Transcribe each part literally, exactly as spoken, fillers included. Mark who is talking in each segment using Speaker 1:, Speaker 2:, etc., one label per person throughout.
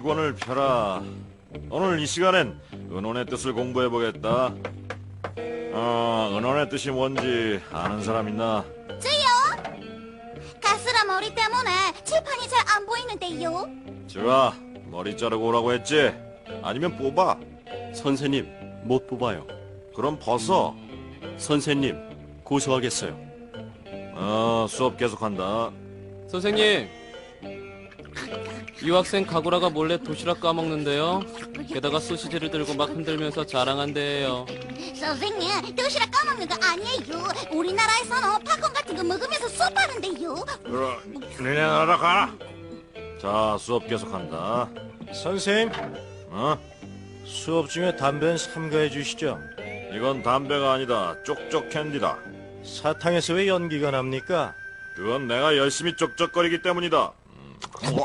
Speaker 1: 기권을 펴라. 오늘 이 시간엔 은혼의 뜻을 공부해보겠다. 어, 은혼의 뜻이 뭔지 아는 사람 있나?
Speaker 2: 저요? 가스라 머리 때문에 칠판이 잘 안 보이는데요.
Speaker 1: 좋아, 머리 자르고 오라고 했지? 아니면 뽑아?
Speaker 3: 선생님, 못 뽑아요.
Speaker 1: 그럼 벗어.
Speaker 3: 선생님, 고소하겠어요.
Speaker 1: 어, 수업 계속한다.
Speaker 4: 선생님, 유학생 가구라가 몰래 도시락 까먹는데요. 게다가 소시지를 들고 막 흔들면서 자랑한대요.
Speaker 2: 선생님, 도시락 까먹는 거 아니에요. 우리나라에서는 팝콘 같은 거 먹으면서 수업하는데요.
Speaker 1: 그럼 니네 나라 가라. 자, 수업 계속한다.
Speaker 5: 선생님,
Speaker 1: 어?
Speaker 5: 수업 중에 담배는 삼가해 주시죠.
Speaker 1: 이건 담배가 아니다. 쪽쪽 캔디다.
Speaker 5: 사탕에서 왜 연기가 납니까?
Speaker 1: 그건 내가 열심히 쪽쪽거리기 때문이다. 음.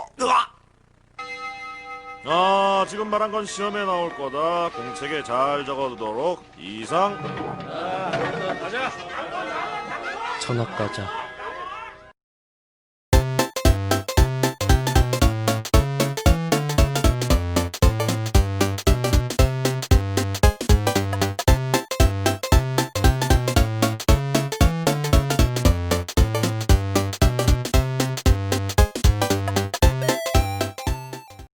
Speaker 1: 아, 지금 말한 건 시험에 나올 거다. 공책에 잘 적어두도록. 이상.
Speaker 4: 전학 가자.